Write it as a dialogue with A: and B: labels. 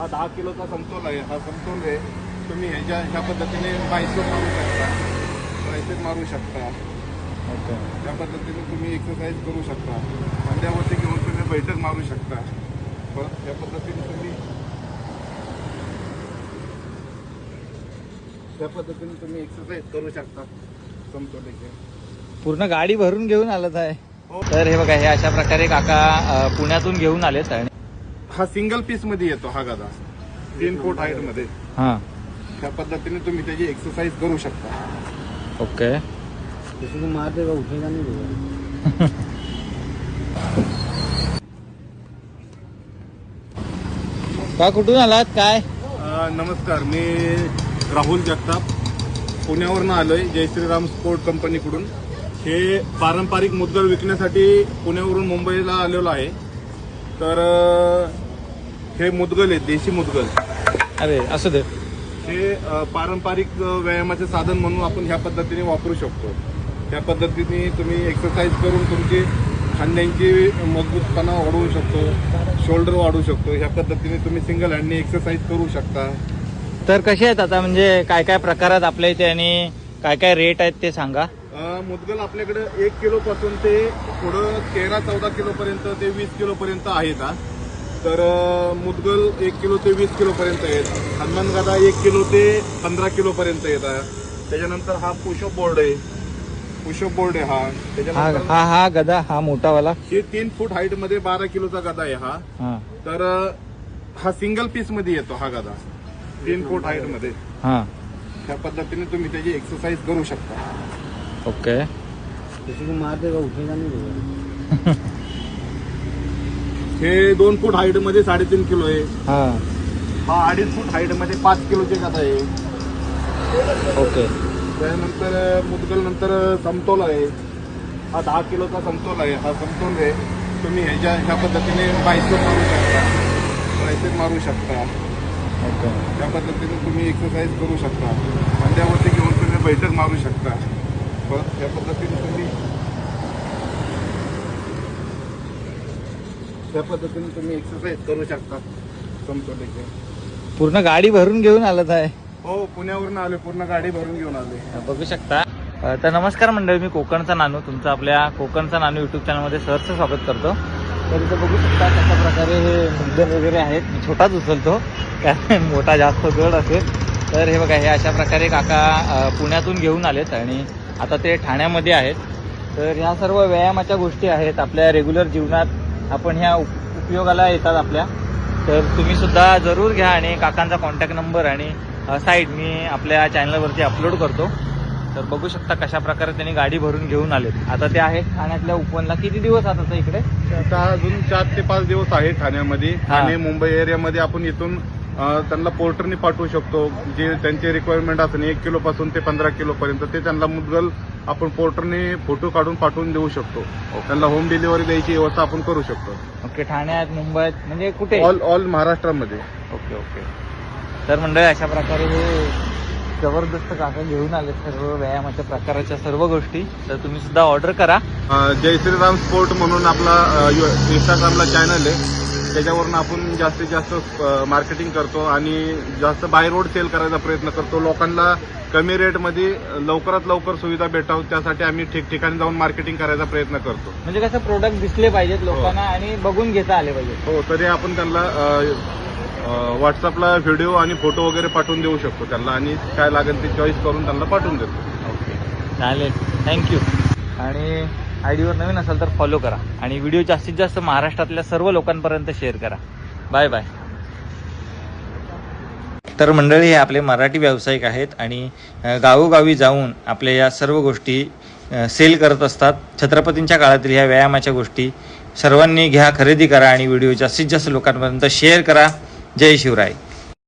A: हा 10 किलोचा समतोल आहे. हा समतोल आहे तुम्ही ह्या पद्धतीने बायसेप मारू शकता, ट्रायसेप मारू शकता.
B: ओके.
A: त्या पद्धतीने तुम्ही एक्सरसाइज करू शकता. खांद्यावरती घेऊन तुम्ही बैठक मारू शकता. परत त्या पद्धतीने तुम्ही एक्सरसाइज करू शकता समतोलीचे.
B: पूर्ण गाडी भरून घेऊन आलत आहे.
A: हो.
B: तर हे बघा, हे अशा प्रकारे काका पुण्यातून घेऊन आलेत. आणि
A: हा सिंगल पीस मध्ये येतो हा गदा 3 फूट हाईट मध्ये.
B: हां,
A: त्या पद्धतीने तुम्ही त्याची एक्सरसाइज करू शकता.
B: ओके.
C: किसी को मार देगा उठेगा नहीं देगा।
B: का कुठून आलात काय?
A: नमस्कार, मी राहुल जगताप पुण्यावरनं आलोय जय श्रीराम स्पोर्ट कंपनीकडून. हे पारंपरिक मुद्गल विकण्यासाठी पुण्यावरून मुंबईला आलेलो आहे. तर हे मुद्गल आहेत, देशी मुद्गल.
B: अरे असू दे.
A: हे पारंपरिक व्यायामाचे साधन म्हणून आपण ह्या पद्धतीने वापरू शकतो. त्या पद्धतीने तुम्ही एक्सरसाइज करून तुमची खांद्यांची मजबूतपणा वाढवू शकतो, शोल्डर वाढवू शकतो. ह्या पद्धतीने तुम्ही सिंगल हँडने एक्सरसाइज करू शकता.
B: तर कसे आहेत आता, म्हणजे काय काय प्रकारात आपल्या इथे आणि काय काय रेट आहेत ते सांगा.
A: मुद्गल आपल्याकडे 1 किलो पासून ते पुढं 13-14 किलो पर्यंत ते 20 किलो पर्यंत आहेत. तर मुद्गल 1 किलो ते 20 किलो पर्यंत आहेत. हनुमान गदा 1 किलो ते 15 किलो पर्यंत येतात. त्याच्यानंतर हा पुशअप बोर्ड आहे. पुशअप बोर्ड आहे हा.
B: हा
A: त्याच्यानंतर
B: हा हा गदा, हा मोठावाला.
A: हे 3 फूट हाईट मध्ये 12 किलोचा गदा आहे हा.
B: हा
A: तर हा सिंगल पीस मध्ये येतो हा गदा 3 फूट हाईट मध्ये.
B: हा,
A: त्या पद्धतीने तुम्ही त्याची एक्सरसाइज करू शकता.
B: ओके.
C: किसी को मार देगा उठेगा नहीं देगा।
A: हे 2 फूट हाईट मध्ये 3.5 किलो आहे.
B: हा,
A: हा 2.5 फूट हाईट मध्ये 5 किलोचे गदा आहे.
B: ओके.
A: त्यानंतर मुद्गल नंतर समतोल आहे. हा 10 किलोचा समतोल आहे. हा समतोल आहे तुम्ही ह्या पद्धतीने बायसेप मारू शकता, ट्रायसेप मारू शकता.
B: ओके.
A: त्या पद्धतीने तुम्ही एक्सरसाइज करू शकता. खांद्यावरती घेऊन तुम्ही बैठक मारू शकता. परत त्या पद्धतीने तुम्ही एक्सरसाइज करू शकता समतोलीचे.
B: पूर्ण गाडी भरून घेऊन आलत आहे.
A: हो, पुण्यावरून आले, पूर्ण गाडी भरून घेऊन आले.
B: बघू शकता. तर नमस्कार मंडळी, मी कोकणचा नानू, तुमचं आपल्या कोकणचा नानू युट्यूब चॅनलमध्ये सहर्ष स्वागत करतो. तर इथं बघू शकता कशा प्रकारे हे मुद्दल वगैरे आहेत. मी छोटाच उचलतो कारण मोठा जास्त जड असेल. तर हे बघा, हे अशा प्रकारे काका पुण्यातून घेऊन आलेत आणि आता ते ठाण्यामध्ये आहेत. तर ह्या सर्व व्यायामाच्या गोष्टी आहेत आपल्या रेग्युलर जीवनात, आपण ह्या उपयोगाला येतात आपल्या. तर तुम्ही सुद्धा जरूर घ्या आणि काकांचा कॉन्टॅक्ट नंबर आणि साईट मी आपल्या चॅनलवरती अपलोड करतो. तर बघू शकता कशा प्रकारे त्यांनी गाडी भरून घेऊन आलेत. आता ते आहेत ठाण्यातल्या उपवनला. किती दिवस आता इकडे?
A: आता अजून 4 ते 5 दिवस आहे ठाण्यामध्ये. ठाणे मुंबई एरियामध्ये आपण इथून त्यांना पोर्टरने पाठवू शकतो. जे त्यांचे रिक्वायरमेंट असेल 1 किलो पासून ते 15 किलो पर्यंत ते त्यांना मुद्गल आपण पोर्टरने फोटो काढून पाठवून देऊ शकतो. त्यांना होम डिलिव्हरी द्यायची व्यवस्था आपण करू शकतो.
B: ओके. ठाण्यात, मुंबईत, म्हणजे कुठे?
A: ऑल महाराष्ट्रामध्ये.
B: Okay okay. तर मंडळी अशा प्रकारे हे जबरदस्त काका घेऊन आले सर्व व्यायामाच्या प्रकाराच्या सर्व गोष्टी. तर तुम्ही सुद्धा ऑर्डर करा.
A: जय श्रीराम स्पोर्ट म्हणून आपला इंस्टाग्रामला चॅनल आहे. त्याच्यावरून आपण जास्तीत जास्त मार्केटिंग करतो आणि जास्त बाय रोड सेल करायचा प्रयत्न करतो. लोकांना कमी रेटमध्ये लवकरात लवकर सुविधा भेटावं त्यासाठी आम्ही ठिकठिकाणी जाऊन मार्केटिंग करायचा प्रयत्न करतो.
B: म्हणजे कसं प्रोडक्ट दिसले पाहिजेत लोकांना आणि बघून घेता आले पाहिजे.
A: हो, तरी आपण त्यांना व्हॉट्सअपला व्हिडिओ आणि फोटो वगैरे पाठवून देऊ शकतो त्यांना आणि काय लागेल ते चॉईस करून त्यांना पाठवून देतो.
B: ओके, चालेल, थँक्यू. आणि आयडीवर नवीन असाल तर फॉलो करा आणि व्हिडिओ जास्तीत जास्त महाराष्ट्रातल्या सर्व लोकांपर्यंत शेअर करा. Bye bye. तर मंडळी, हे आपले मराठी व्यावसायिक आहेत आणि गावोगावी जाऊन आपल्या या सर्व गोष्टी सेल करत असतात. छत्रपतींच्या काळातील ह्या व्यायामाच्या गोष्टी सर्वांनी घ्या, खरेदी करा आणि व्हिडिओ जास्तीत जास्त लोकांपर्यंत शेअर करा. जय शिवराय.